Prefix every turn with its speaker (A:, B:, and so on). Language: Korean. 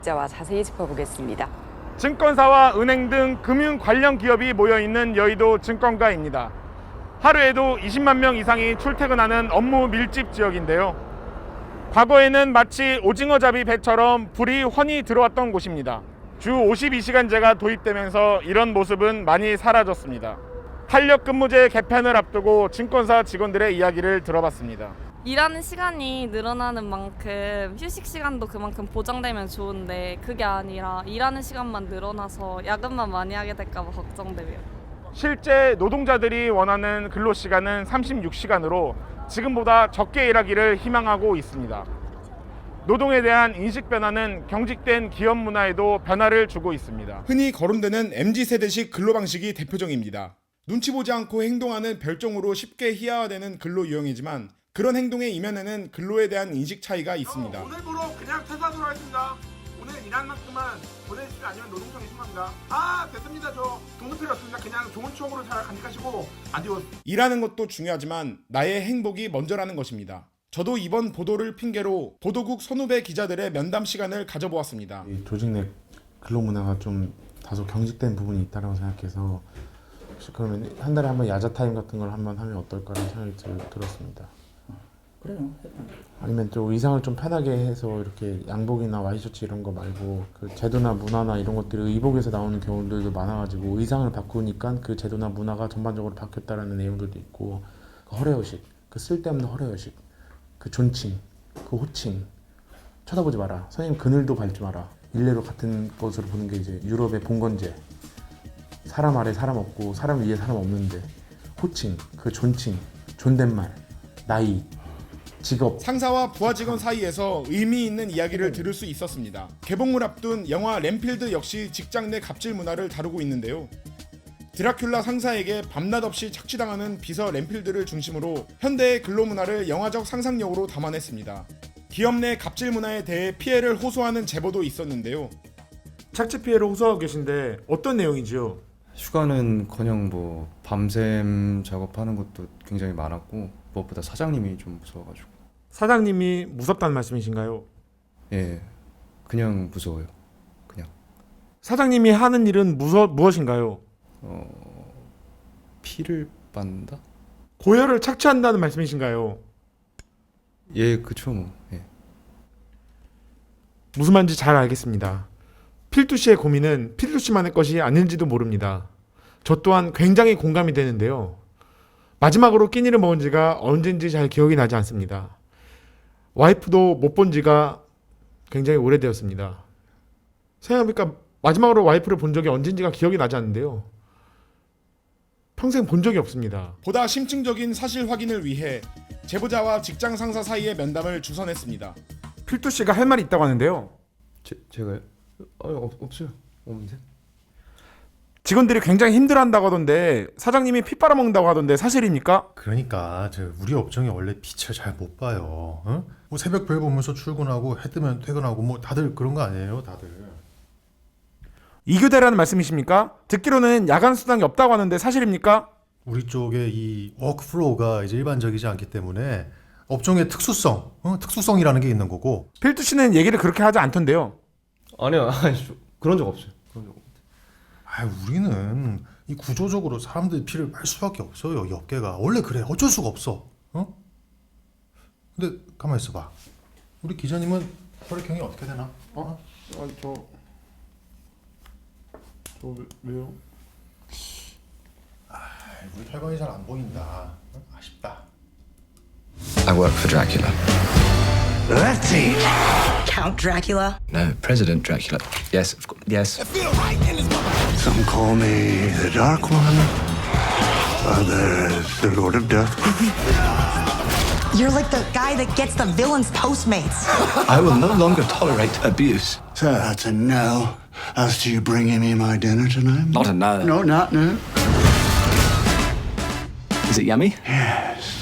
A: 자와 자세히 짚어보겠습니다.
B: 증권사와 은행 등 금융 관련 기업이 모여있는 여의도 증권가입니다. 하루에도 20만 명 이상이 출퇴근하는 업무 밀집 지역인데요. 과거에는 마치 오징어잡이 배처럼 불이 훤히 들어왔던 곳입니다. 주 52시간제가 도입되면서 이런 모습은 많이 사라졌습니다. 탄력근무제 개편을 앞두고 증권사 직원들의 이야기를 들어봤습니다.
C: 일하는 시간이 늘어나는 만큼 휴식 시간도 그만큼 보장되면 좋은데 그게 아니라 일하는 시간만 늘어나서 야근만 많이 하게 될까 봐 걱정돼요.
B: 실제 노동자들이 원하는 근로시간은 36시간으로 지금보다 적게 일하기를 희망하고 있습니다. 노동에 대한 인식 변화는 경직된 기업 문화에도 변화를 주고 있습니다. 흔히 거론되는 MZ세대식 근로방식이 대표적입니다. 눈치 보지 않고 행동하는 별종으로 쉽게 희화화되는 근로 유형이지만 그런 행동의 이면에는 근로에 대한 인식 차이가 있습니다.
D: 오늘부로 그냥 퇴사하도록 하겠습니다. 오늘 일한 만큼만 보내주시면 아니면 노동청에 신고합니다. 아 됐습니다. 저 돈은 필요 없습니다. 그냥 좋은 추억으로 잘 간직하시고 아디오스.
B: 일하는 것도 중요하지만 나의 행복이 먼저라는 것입니다. 저도 이번 보도를 핑계로 보도국 선후배 기자들의 면담 시간을 가져보았습니다.
E: 이 조직 내 근로 문화가 좀 다소 경직된 부분이 있다고 생각해서 혹시 그러면 한 달에 한번 야자 타임 같은 걸 한번 하면 어떨까라는 생각이 들었습니다.
F: 그래요.
E: 아니면 또 의상을 좀 편하게 해서 이렇게 양복이나 와이셔츠 이런 거 말고 그 제도나 문화나 이런 것들이 의복에서 나오는 경우들도 많아가지고 의상을 바꾸니까 그 제도나 문화가 전반적으로 바뀌었다라는 내용들도 있고 그 허례허식, 그 쓸데없는 허례허식, 그 존칭, 그 호칭 쳐다보지 마라. 선생님 그늘도 밟지 마라. 일례로 같은 것으로 보는 게 이제 유럽의 봉건제. 사람 아래 사람 없고 사람 위에 사람 없는데 호칭, 그 존칭, 존댓말, 나이, 직업.
B: 상사와 부하 직원 사이에서 의미 있는 이야기를 들을 수 있었습니다. 개봉을 앞둔 영화 램필드 역시 직장 내 갑질 문화를 다루고 있는데요. 드라큘라 상사에게 밤낮 없이 착취당하는 비서 램필드를 중심으로 현대의 근로 문화를 영화적 상상력으로 담아냈습니다. 기업 내 갑질 문화에 대해 피해를 호소하는 제보도 있었는데요.
G: 착취 피해를 호소하고 계신데 어떤 내용이지요?
H: 휴가는커녕 뭐 밤샘 작업하는 것도 굉장히 많았고 무엇보다 사장님이 좀 무서워가지고.
G: 사장님이 무섭다는 말씀이신가요?
H: 예, 그냥 무서워요. 그냥.
G: 사장님이 하는 일은 무엇인가요?
H: 피를 빤다?
G: 고혈을 착취한다는 말씀이신가요?
H: 예, 그쵸 뭐. 예.
G: 무슨 말인지 잘 알겠습니다. 필두 씨의 고민은 필두 씨만의 것이 아닌지도 모릅니다. 저 또한 굉장히 공감이 되는데요. 마지막으로 끼니를 먹은 지가 언젠지 잘 기억이 나지 않습니다. 와이프도 못 본 지가 굉장히 오래되었습니다. 생각해보니까 마지막으로 와이프를 본 적이 언젠지가 기억이 나지 않는데요. 평생 본 적이 없습니다.
B: 보다 심층적인 사실 확인을 위해 제보자와 직장 상사 사이의 면담을 주선했습니다.
G: 필두 씨가 할 말이 있다고 하는데요.
H: 제가요? 없어요. 없는데?
G: 직원들이 굉장히 힘들어한다고 하던데 사장님이 피 빨아먹는다고 하던데 사실입니까?
F: 그러니까 우리 업종이 원래 빛을 잘 못 봐요. 응? 뭐 새벽별 보면서 출근하고 해 뜨면 퇴근하고 뭐 다들 그런 거 아니에요, 다들.
G: 이교대라는 말씀이십니까? 듣기로는 야간 수당이 없다고 하는데 사실입니까?
F: 우리 쪽에 이 워크플로우가 이제 일반적이지 않기 때문에 업종의 특수성, 특수성이라는 게 있는 거고.
G: 필두 씨는 얘기를 그렇게 하지 않던데요.
H: 아니요, 그런 적 없어요. 그런 적 없어요.
F: 우리는 이 구조적으로 사람들이 피를 빨 수밖에 없어요. 이 업계가 원래 그래. 어쩔 수가 없어. 근데 가만 있어봐. 우리 기자님은 혈액형이 어떻게 되나?
E: 저 왜요?
F: 우리 혈관이 잘 안 보인다. 아쉽다.
I: I work for Dracula.
J: Let's see. Count Dracula?
I: No, President Dracula. Yes, yes.
J: Some call me the Dark One. Others, the Lord of Death.
K: You're like the guy that gets the villain's Postmates.
I: I will no longer tolerate abuse.
J: So that's a no. As to you bringing me my dinner tonight?
I: Not a no.
J: No, not no.
I: Is it yummy?
J: Yes.